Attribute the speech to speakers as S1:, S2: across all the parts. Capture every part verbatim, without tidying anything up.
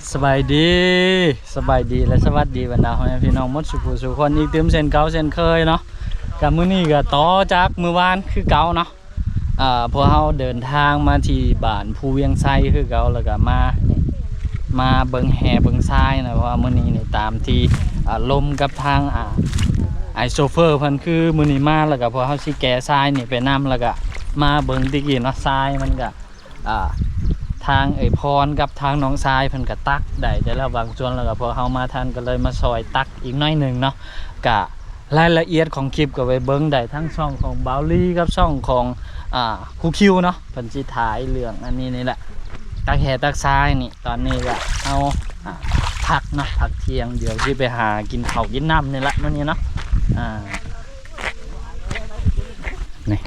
S1: สบายดีสบายดีและสวัสดีบรรดาพ่อแม่พี่น้องหมดสุขสุขคนอีกเติมเส้นเก่าเส้นเคยเนาะกับมื้อนี้ก็ต่อจากมื้อวานคือเก่าเนาะอ่าพวกเราเดินทางมาที่บ้านภูเวียงไซคือเก่าแล้วก็มามาเบิ่งแห่เบิ่งทรายนะเพราะว่ามื้อนี้นี่ตามที่อ่าลมกับทางอ่าไอโซเฟอร์เพิ่นคือมื้อนี้มาแล้วก็พวกเฮาสิแก่ทรายนี่ไปนำแล้วก็มาเบิ่งติกี้เนาะทรายมันก็อ่าทางเอ่ยพรกับทางน้องทรายเพิ่นก็ตักได้แต่แล้วบางส่วนแล้วก็พอเฮามาทันก็เลยมาซอยตักอีกหน่อยนึงเนาะก็รายละเอียดของคลิปก็ไปเบิ่งได้ทั้งช่องของบาวลี่กับช่องของอ่าครูคิวเนาะเพิ่นสิถ่ายเรื่องอันนี้นี่แหละตักแห่ตักทรายนี่ตอนนี้ก็เอาอ่าพักเนาะพักเที่ยงเดี๋ยวสิไปหากินข้าวกินน้ำนี่แหละมื้อนี้เนาะอ่านี่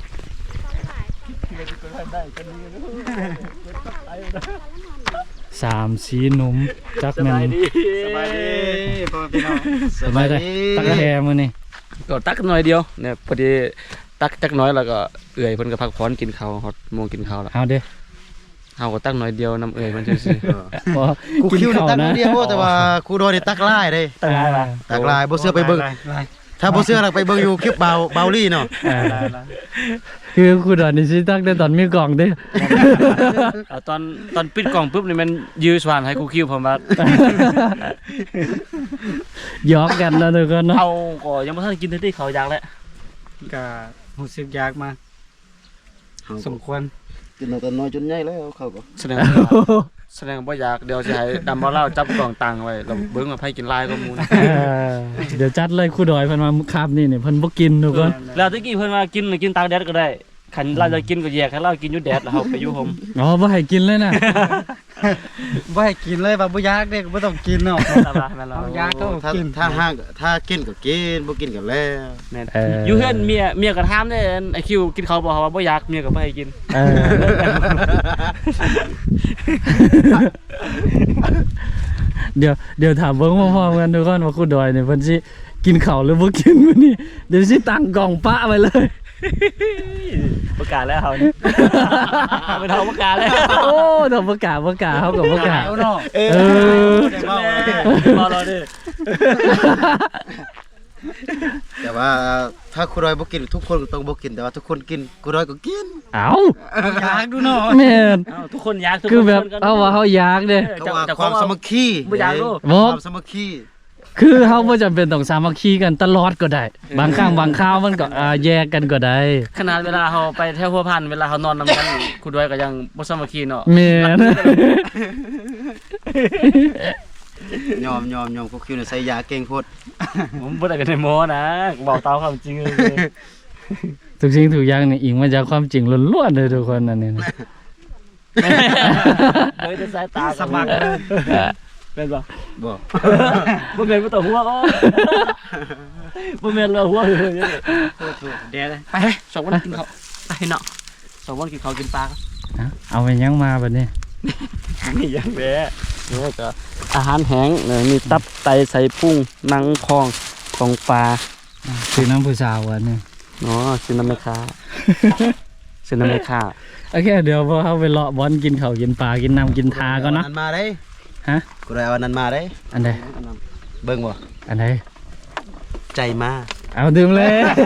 S1: สามสีหนุ่มจักแม่น
S2: สบายดีพ่อพี่น้อง
S1: สบายดีตักแห่มื้อนี้
S2: ก็ตักหน่อยเดียวเนี่ยพอดีตักจักน้อยแล้วก็เอื่อยเพิ่นก็พักผ่อนกินข้าวฮอดโมงกินข้าวแล้ว
S1: เอาเด้อ
S2: เฮาก็ตักหน่อยเดียวน้ำเอื่อยมันซื่อ
S1: บ่
S3: กูคิวนี่ตักนิดเดียวแต่ว่ากูโดนนี่ตักลายเด้
S1: ตักอะไร
S3: ตักลายบ่เสื้อไปเบิ่งถ้าบ่เสื้อเราไปเบิ่งอยู่คลิปเบาเบาลี่เนาะ
S1: คือคุณดอนนี่สิตักได้ตอนมีกล่องเด้อ
S2: ๆเอาตอนตอนปิดกล่องปุ๊บนี่มันยื้อสว่านให้กูคิวผมว่า
S1: หยอกกันแล้วทุกคนเนาะ
S2: เอาก็ยังบ่ทันกินที่เขาอยากแล้ว
S4: ก็รู้สึกยากมาสมควร
S3: กินเอาแต่น้อยจนใหญ่แล้วเขาก็
S2: แสดงว่าแสดงว่าบ่อยากเดี๋ยวสิให้ดำบ่เล่าจับกล่องตังไว้แล้วเบิ่งว่าไผกินลายก็มูนะ
S1: เออเดี๋ยวจัดเลยครูดอยเพิ่นมาคาบนี่นี่เพิ่นบ่กินทุกคน
S2: แล้วตะกี้เพิ่นว่ากินกินตากแดดก็ได้คันเราจะกินก็แยกให้เรากินอยู่แดดแล้วเฮาไปอยู่ห่ม
S1: อ๋อบ่ให้กินเลยนะ
S4: บ่ให้กินเลยว่าบ่อยากเด้ก็บ่ต้องกินเนาะ
S2: แม่นล่ะแม่นล่ะ
S4: เอายากก็
S3: ถ้า
S4: กิน
S3: ถ้าห้างถ้ากินก็กินบ่กินก็แล้ว
S2: แม่น
S1: เออ
S2: อยู่เฮือนเมียเมียก็ถามเด้ไอ้คิวกินข้าวบ่ว่าบ่อยากเมียก็บ่ให้กิน
S1: เออเดี๋ยวเดี๋ยวถามเบิ่งพร้อมๆกันทุกคนว่าครูดอยนี่เพิ่นสิกินข้าวหรือบ่กินมื้อนี้เดี๋ยวสิตั้งกล่องปะไว้เลย
S2: ประกาศแล้วเฮานี่ไปเฮาประกาศแล้ว
S1: โอ้ดอกประกาศประกาศเฮาก็ประกาศ
S4: เอาเนาะ
S1: เออ
S3: ได้เว้า
S2: บ่รอดิ
S3: แต่ว่าถ้ากูรอยบ่กินทุกคนก็ต้องบ่กินแต่ว่าทุกคนกินกูรอยก็กิน
S1: เอ้า
S4: อยากดูเนาะ
S1: แม่น
S2: เอ้าทุกคนอยากทุก
S1: คือแบบ
S2: น
S1: เอาว่าเฮาอยากเด้
S3: เขาว่าความสามัคคี
S2: บ่อยากรู้
S1: บ่
S3: ความสามัคคี
S1: คือเฮาบ่จำเป็นต้องสามัคคีกันตลอดก็ได้ บางครั้งบางคราวมันก็อ่าแยกกันก็ได้
S2: ขนาดเวลาเฮาไปแถวหัวพันเวลาเฮานอนนำกันคุณด้วยก็ยังบ่สามัคคีเนาะ
S1: แม่น
S3: ยอมยอมยอมกูคิวนี่ใส่ยาเก่งโพด
S2: ผมบ่ได้กันในโมนะบอกตามความจริงเลย
S1: ทุกสิ่งทุกอย่างนี่อิงมาจากความจริงล้วนๆเลยทุกคนอันนี้นะ
S2: เฮ้ยแต่สายตา
S4: สมัครเลย
S2: เป็นบ่
S3: บ่
S2: บ่แม่นบ่ต้องหัวก็บ่แม่นเราหัวเลย
S4: เดี๋ยวเลย
S2: ไปสองวันกินข้าวไปเนาะสองวันกินข้าวกินปลา
S1: อ่ะเอาไปยังมาบัดนี้
S2: นี่ยังแหละนี่ก็อาหารแห้งเนี่ยมีตับไตใส่พุงหนังคองของปลา
S1: คือน้ำผู้สาวอันนี้
S2: เนาะซินาเมคาซินาเมคา
S1: โอเคเดี๋ยวพอเฮาไปเลาะบอลกินข้าวกินปลากินน้ำกินทาก่อนเนาะ
S3: อันมาได้
S1: ฮะ
S3: กูรอยเอาอันนั้นมาได้
S1: อันใด
S3: เบิ่งบ่
S1: อันใด
S3: ใจมา
S1: เอาดื่มเลย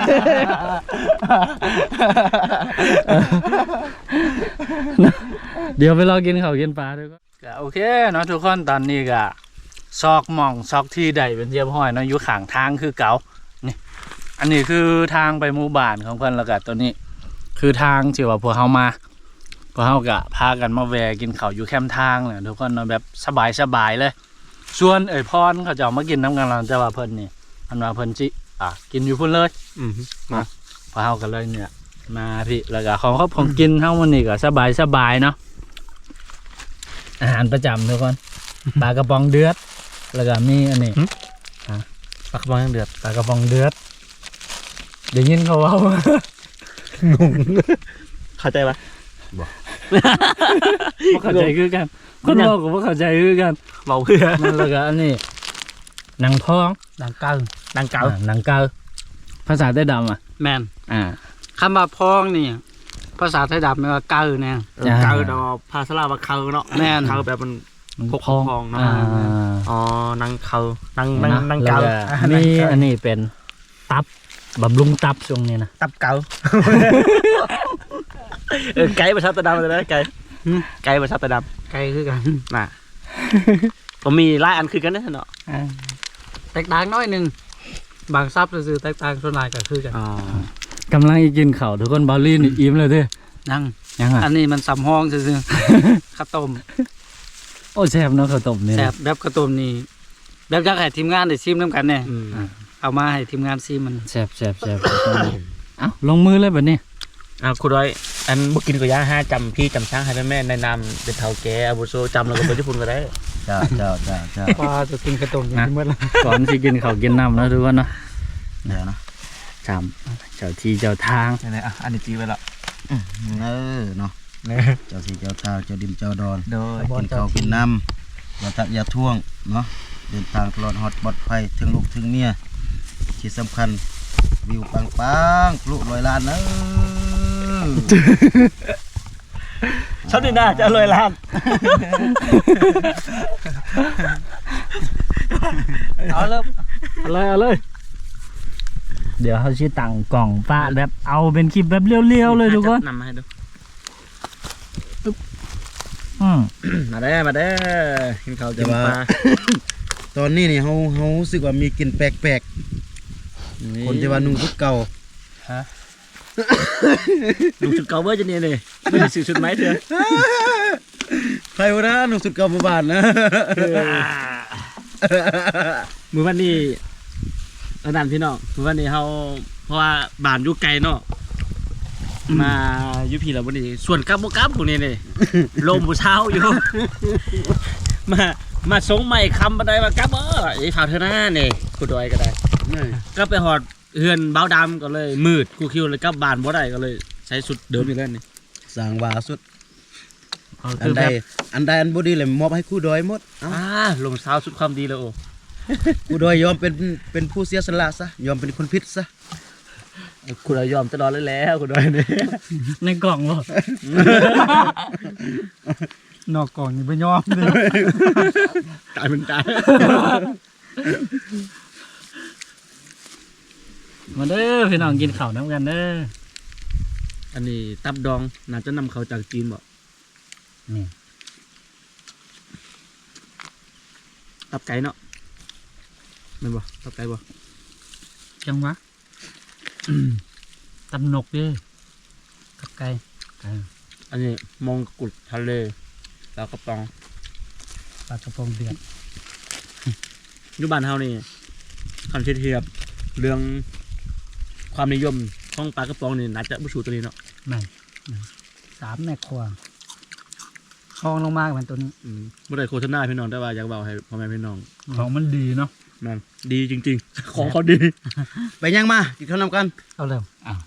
S1: เดี๋ยวไปรอกินข้าวกินปลาด้วยก็โอเคเนาะทุกคนตอนนี้ก็ซอกหม่องซอกที่ใดเป็นเรียบร้อยเนาะอยู่ข้างทางคือเก่านี่อันนี้คือทางไปหมู่บ้านของเพิ่นแล้วก็ตัวนี้ คือทางที่ว่าพวกเฮามาพวกเฮาก็พากันมาแวะกินข้าวอยู่แคมป์ทางเนี่ยทุกคนเนาะแบบสบายๆเลยส่วนเอ่ยพรเขาจะเอามากินน้ำกันเราจะว่าเพิ่นนี่อันว่าเพิ่นจิอ่ะกินอยู่พุ่นเลย
S2: อืม
S1: พอเฮากันเลยเนี่ยมาพี่แล้วก็ของครอบของกินเฮามันนี่ก็สบายสบายเนาะอาหารประจำทุกคนปลากระป๋องเดือดแล้วก็มีอันนี้
S2: ปลากระป๋องยังเดือด
S1: ปลากระป๋องเดือดเดี๋ยวยินเขาเว้าง
S2: งเข้าใจปะ
S1: บ่เข้าใจคือกันคนบอกก็บ่เข้าใจคือกัน
S2: เบาเพื่อ
S1: มันแล้วก็อันนี้หนังพอง
S4: ดังเก่า
S2: ดังเก่า
S1: อ่าหนังเกาภาษาใต้ดำอ่ะ
S4: แม่น
S1: อ่า
S4: คำว่าพองนี่ภาษาไทยดำแปลว่าเก่าแน่
S1: อ่า
S2: เก่าดอกภาษาลาวว่าเก่าเนาะ
S4: แม่น
S2: เก่าแบบมันพก
S1: พอง
S2: พองเนาะ
S1: อ่า
S2: อ๋อนังเขานังนังนังเกา
S1: แล้วนี่อันนี้เป็นตับบำรุงตับช่วงนี้นะ
S2: ตับเกาเออไก่ประชาตะดำเลยนะไก่ไก่ประชาตะด
S4: ไกลคือกัน
S2: ำน่ะผมมีหลายอันคือกันนะเนาะ
S4: แตกต่างน้อยหนึงบางซับซื่อๆแตกต่างส่วนหลายก็คือกัน
S2: อ๋อก
S1: ำลังกินข้าวทุกคนบอลลี่นี่อิ่มเลยเด้อ
S4: ยัง
S1: ยังอ่ะ
S4: อันนี้มันสำห้องซื่อๆ ข้าวต้ม
S1: โอ้แซ่บเนาะข้าวต้มนี่
S4: แซ่
S1: นะ
S4: บแบบข้าวต้มนี่แบบอยากให้ทีมงานได้ชิมนํกันแน่
S2: อืม
S4: เอามาให้ทีมงานชิมมัน
S1: แซ่บแซ่บแซ่บเอ้าลงมือเลยแบบนี้
S2: อ่าคุณร้อยอันบุกินก็ย่าห้าจำพี่จำช้างให้แม่ในนามเป็นเท่าแก่อาบุโซจำแล้วก็ไปญี่ปุ่นก็ได้
S3: เจ้าเจ้าเจ้าเจ้า
S4: ปลาจะกินข้าวต้มอย่างนี้หมดแล้ว
S1: ก่อนสิกินข้าวกินน้ำเนาะทุกคนเนาะ
S3: เดี๋ยวนะ
S1: จำเจ้าที่เจ้าทาง
S2: นี่ๆอ่ะอันนี้จีไว้ละ
S3: เออเนาะเจ้าสีเจ้าทางเจ้าดินเจ้าดอน
S2: โดย
S3: กินข้าวกินน้ำอย่าทักอย่าท่วงเนาะเดินทางตลอดฮอดปลอดภัยถึงลูกถึงเมียที่สำคัญวิวปังปังๆปลุกลอยล้านเนอะ
S2: ชอบดีนะจะเลยล้าน
S4: เอาเริ่ม
S1: เอาเลยเอาเลย เดี๋ยวเขาชี้ตั้งกล่องป้าแบบเอาเป็นคลิปแบบเรียวๆเลยทุกคน
S2: นำมาให้ดู
S1: อืม
S2: มาได้มาได้กินข้าวกินปลา
S3: ตอนนี้นี่เฮาเฮารู้สึกว่ามีกลิ่นแปลกๆคนที่ว่านุ่งชุดเก่า
S2: ดูชุดเก่าเบอร์จะเนี่ยเลยไม่ได้ซื้อชุดไหมเถอะ
S3: ใครวะนะนุ่งชุดเก่าบ่บานนะ
S2: มือวันนี้ระดับพี่น้องมือวันนี้เขาเพราะว่าบ้านอยู่ไกลเนาะมาอยู่พี่แล้ววันนี้ส่วนกลับบ่กลับพวกนี้เลยลมผู้เช้าอยู่ มามาสงใหม่คำบันไดมากลับเออไอ้ฝากเธอหน้าเนี่ยกูดอยก็ได้ ก็ไปหอดเฮือนเบ้าดำก็เลยมืดกูคิวเลยกลับบ้านบ่ได้ก็เลยใช้สุดเดิมอยู่แล้วนี่
S3: สร้างว่าสุด
S1: เอา
S3: อั
S1: คื
S3: น
S1: อ
S3: ใด
S1: แบบ
S3: อันใดอันบ่ดีเลยมอบให้คู่ดอยหมดเอ้า
S2: อ่าลงเช้าสุดความดีแล้วโอ้
S3: คู่ดอยยอมเป็นเป็นผู้เสียสละซะยอมเป็นคนผิดซะ
S2: คุณยอมตลอดเลยแล้วคุณดอยเนี่ย
S1: ในกล่องบ่
S4: นอกกล่องนี่บ่ยอมเลย
S2: ตายมันตาย
S1: มาเด้อพี่น้องกินข้าวน้ำกันเด้อ
S2: อันนี้ตับดองน่าจะนำเขาจากจีนบ่
S1: นี่
S2: ตับไก่เนาะแม่นบ่ตับไก่บ่
S4: จังหวะตำนกเด้อกับไก่
S2: อันนี้มองกุฎทะเลแล้วก็ปอง
S4: ปลากระพงเดือด
S2: อยู่บ้านเฮานี่คันเทียบเรื่องความนิยมของปลากระป๋องนี่น่าจะบ่สูตัวนี้เนาะ
S4: นั่นสามแม่ครัวคลองลงมากเป็นตัวนี้
S2: อืมบ่ได้โฆษณาพี่น้องแต่ว่าอยากเว้าให้พ่อแม่พี่น้อง
S1: ของมันดีเนาะ
S2: แม่นดีจริงๆ ของเขาดี
S3: ไปยังมากินข้าวนำกัน
S4: เอาเริ่ม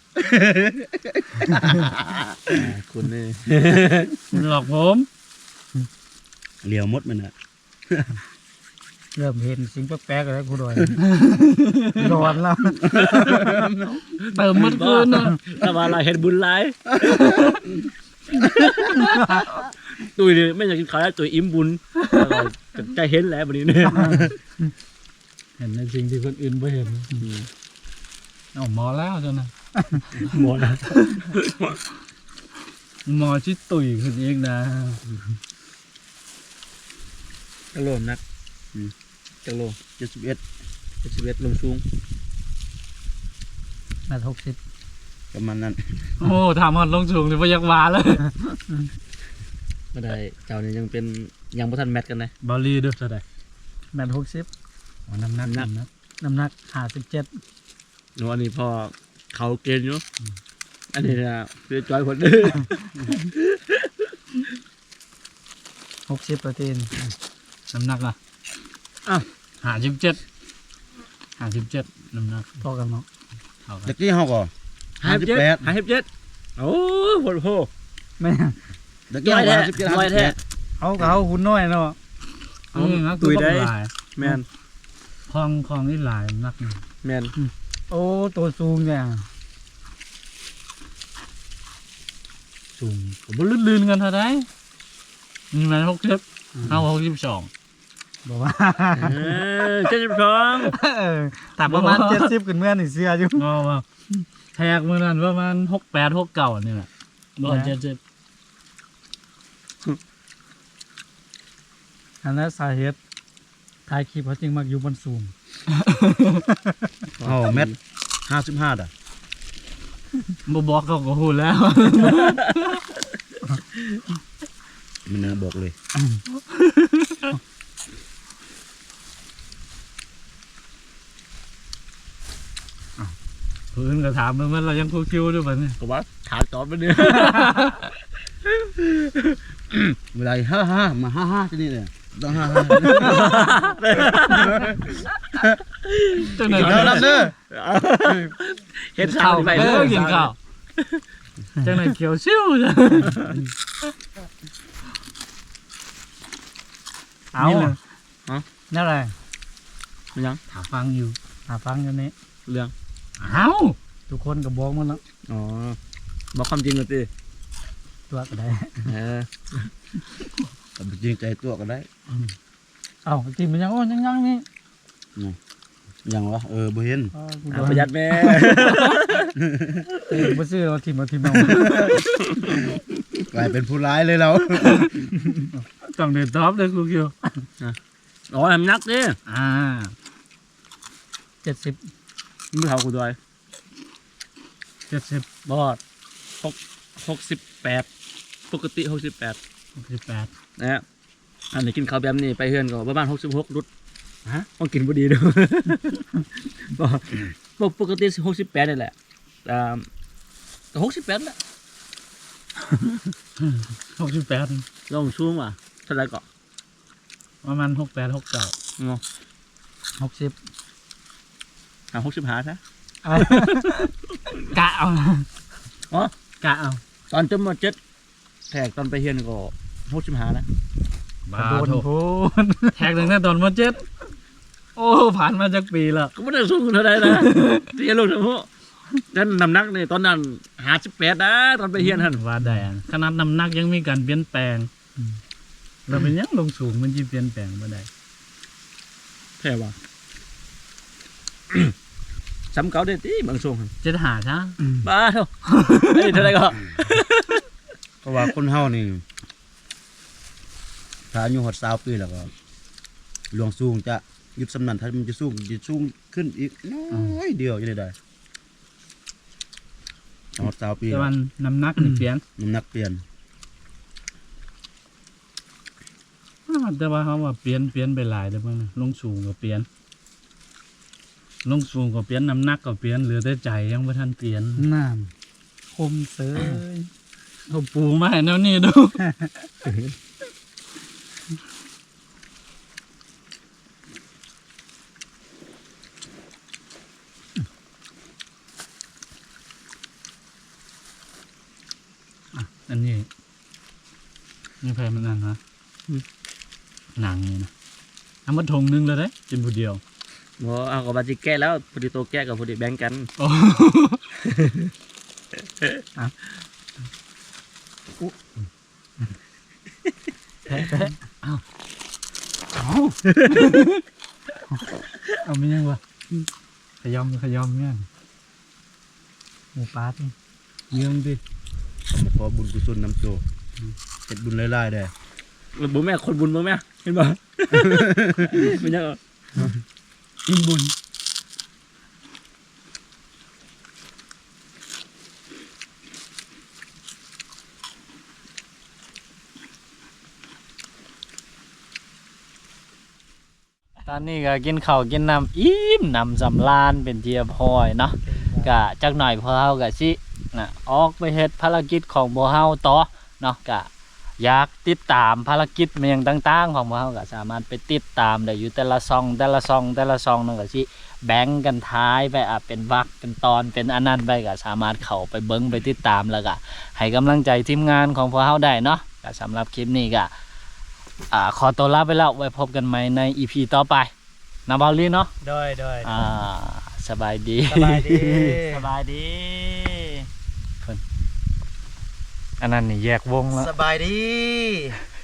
S2: คุณนี่
S1: มันหลอกผม
S3: เหลียวหมดมันน่ะ
S4: เริ่มเห็นสิ่งแปลกๆแล้วกูดอย ร้อนแล้ว
S1: เติมมันคืนนะ
S2: แต่ว่าเราเห็นบุญหลายตุ้ยนี่ไม่อยากกินข้าวแล้วตุ้ยอิ่มบุญแล้วก็ใจเห็นแล้วบัดนี้เนี่ย
S1: เห็นในสิ่งที่คนอื่นไม่เห็นเอาหมอแล้วจ้ะนะ
S2: หมดนะ
S1: หมอชิดตุ๋ยขึ้นเองนะ
S2: กระโหลกนักกระโหลก
S3: เจ็ดสิบเอ็ด
S2: เจ็ดสิบเอ็ดลมสูง
S4: แม่หกสิบ
S3: ประมาณนั้น
S1: โอ้ถามฮอดลงสูงเลยพยักวาเลย
S2: ไม่ได้เจ้านี่ยังเป็นยังบ่ทันแมทกันเลย
S1: บอลลี่ด้วยเท่าไหร่
S4: แม่หกสิบ
S1: อ๋อน้ำหนัก
S2: น้ำหนัก
S1: น้ำหนัก
S4: น้ำหนักห้าสิบเจ็ด
S2: หนูอันนี้พอเขาเกณฑ์อยู่อันนี้นะเพื่อจอยคนเด้อ
S4: หกสิบเปอร์เซ็นต์
S1: น้ำหนักล่ะ
S2: อ้าว
S1: ห้าสิบเจ็ดห้าสิบเจ็ดน้ำหนัก
S4: พอกันเนาะ
S1: เท่ากั
S3: เด็
S1: น
S3: กที่เฮาก็
S2: ห้าสิบเจ็ด
S3: ห้าสิบแปด
S2: ห้าสิบเจ็ดโอ้โหโห
S4: แม่
S3: เด็กที่เฮาก็ห้าสิบเจ็ด
S2: น้อย
S3: ห้าสิบ
S2: แท้
S3: แปด
S4: เอากับเอาหุ่นน้อยเนาะ
S2: เอา
S1: นี่นะ
S2: ตุ๋ยได้
S1: คือบ่หลาย
S2: แมน
S1: คลองคลองนี่หลายนักนะ
S2: แมน
S4: โอ้ตัวสูงเนี่ย
S1: สูงผมว่าลื่นๆกันเท่าไหร่นี่มันหกสิบเอาหกสิบสอง
S4: บอกว่า
S2: เออเจ็ดสิบสอง
S4: เออแต่ประมาณเจ็ดสิบขึ้นเมื่อนี่เสื้ออยู่
S1: เอาว่าแทกมือนั้นประมาณหกแปดหกเก้านี่แหละร้อยเจ็ดสิบ
S4: อันนั้นสาเหตุถ่ายคลิปเขาจริงมักอยู่บนสูง
S3: อ๋อเม็ดห้าสิบห้าด่ะ
S1: บ่บอกเขาก็หูแล้ว
S3: มันนะบอกเลย
S1: เพื่อนก็ถามมันมันเรายังคูคิวด้วยมัน
S2: ก็ว่าถามตอบไปเนี่ย
S3: เวลาห้าห้ามาห้าห้าที่นี่เลยต้องห้าห้า
S1: จังไหน
S3: กินข้าวรับเด้อ
S2: เห็นข้าวไป
S1: เอ
S2: เล
S1: อย กินข้าวจังไหนเขียวซิ่วจ้ะเอา
S4: นี่เลยนั่นอะไร
S2: มันยัง
S1: ถามฟังอยู่
S4: หาฟังอยู่นี่
S2: เรื่อง
S1: เอา
S4: ทุกคนก็บอกมันแล้ว
S2: อ๋อบอกความจริงเลยสิ
S4: ตัวก็ได้
S2: เออ
S3: แต่จริงใจตัวก็ได้
S4: เอ้าทีมันยังโอ้ยังยังนี่
S3: ยังวะเออบ่เห็น
S4: อ้าวกู
S2: เอา
S4: โดน
S2: ประหยัดแม่
S4: เออบ่ซื้อเอาทีมเอาทีมเอา
S3: กลายเป็นผู้ร้ายเลยเรา
S1: ต้องเดินท็อปเลยคูคิว
S2: อ๋อทำนักดิ
S1: อ่า
S4: เจ็ดสิบ
S2: มือเขากูด้วย
S1: เจ็ดสิบบ
S2: อดหกหกสิบแปดปกติหกสิบแปด
S1: หกสิบแปด
S2: นะฮะอันนี้กินข้าวแบบนี้ไปเฮือนก็ประมาณหกสิบหกรุดฮะต้องกินพอดีด้วย บอกปกติหกสิบแปดนี่แหละอ่าหกสิบแปดแหละ
S1: หกสิบแปด
S2: ลองช่วงว่ะเท่าไหรก็
S1: ประมาณหกแปดหกเก้า
S2: งอ
S4: หกสิบ
S2: หาหกสิบหาซะ
S1: กะเอา
S2: อ๋อก
S1: ะเอา
S2: ตอนจนมาเจ็ดแทกตอนไปเฮือนก็หกสิบหานะ
S1: บ้า
S4: โดน
S1: โถ
S4: พูน
S1: แทกตั้งแต่ตอนมาเจ็ดโอ้ผ่านมาจากปีละ
S2: ก็ไม่ได้สู้เท่าไหรนะเรียนลูกทั้งหมดนั่นน้ำหนักนี่ตอนนั้นหาสิบแปดนะตอนไปเฮือนท่าน
S1: ว่าแดงขนาดน้ำหนักยังมีการเปลี่ยนแปลงเราเป็นยังลงสูงมันจะเปลี่ยนแปลงมาได้
S2: แค่ว่า ซ้ำเก่าได้ที่บางช่วงหั่น
S1: เจ็ดหาช้า
S2: บ้าเท่าไอ้ยเท่าไหรก็
S3: เพราะว่าคนเฮานี่ถ้าอายุหดสาวปีแล้วก็หลวงสูงจะหยุดสำนันถ้ามันจะสูงจะสูงขึ้นอีกน้อยเดียวยังไงได้หดสาวปี
S1: แต่วันน้ำหนักนี่เปลี่ยน
S3: น้ำหนักเปลี่ยน
S1: แต่ว่าเขาว่าเปลี่ยนเปลี่ยนไปหลายเด้อเพิ่นน่ะลงสูงก็เปลี่ยนลงสูงก็เปลี่ยนน้ำหนักก็เปลี่ยนเหลือแต่ใจยังบ่ทันเปลี่ยน
S4: น้ำคมเสย
S1: เขาปูมาให้แนวนี้ดู อันนี้นี่แพรมันนั่นนะหนังนี่นะเอามาทงหนึงเลยได้กินผู้เดียว
S2: โอ้เอากับบาจิแก้แล้วพอดีโตแก้กับพอดีแบ่งกัน
S1: โอ้
S4: แท้แท้
S1: เอาเอาไม่ยังวะขยอมขยอมเนี่ย
S4: หมูปลาที่
S1: เยื่องดิ
S3: ขอบุญกุศลนำโจเฮ็ดบุญหลายๆได้
S2: บุญแม่คนบุญบุญแม่เห็นบ่ มันยัง
S1: กินบุญตอนนี้ก็กินข้าวกินน้ำอิ่มน้ำสำราญเป็นเทียพอยเนาะก็จักหน่อยพวกเฮาก็สินะออกไปเฮ็ดภารกิจของพวกเฮาต่อเนาะก็อยากติดตามภารกิจเมียงต่างๆ ของพวกเฮาก็สามารถไปติดตามได้อยู่แต่ละซองแต่ละซองแต่ละซองนั่นก็สิแบ่งกันท้ายไปอ่ะเป็นวรรคเป็นตอนเป็นอันนั้นไปก็สามารถเข้าไปเบิ่งไปติดตามแล้วก็ให้กำลังใจทีมงานของพวกเฮาได้เนาะก็สำหรับคลิปนี้ก็อ่าขอตัวลาไปแล้วไว้พบกันใหม่ใน อี พี ต่อไปนะบอลลี่เนาะ
S4: โดยโดย
S1: อ่าสบายดี
S4: สบายดี
S1: สบายดี อันนั้นนี่แยกวงแล้ว
S3: สบายดี
S1: ส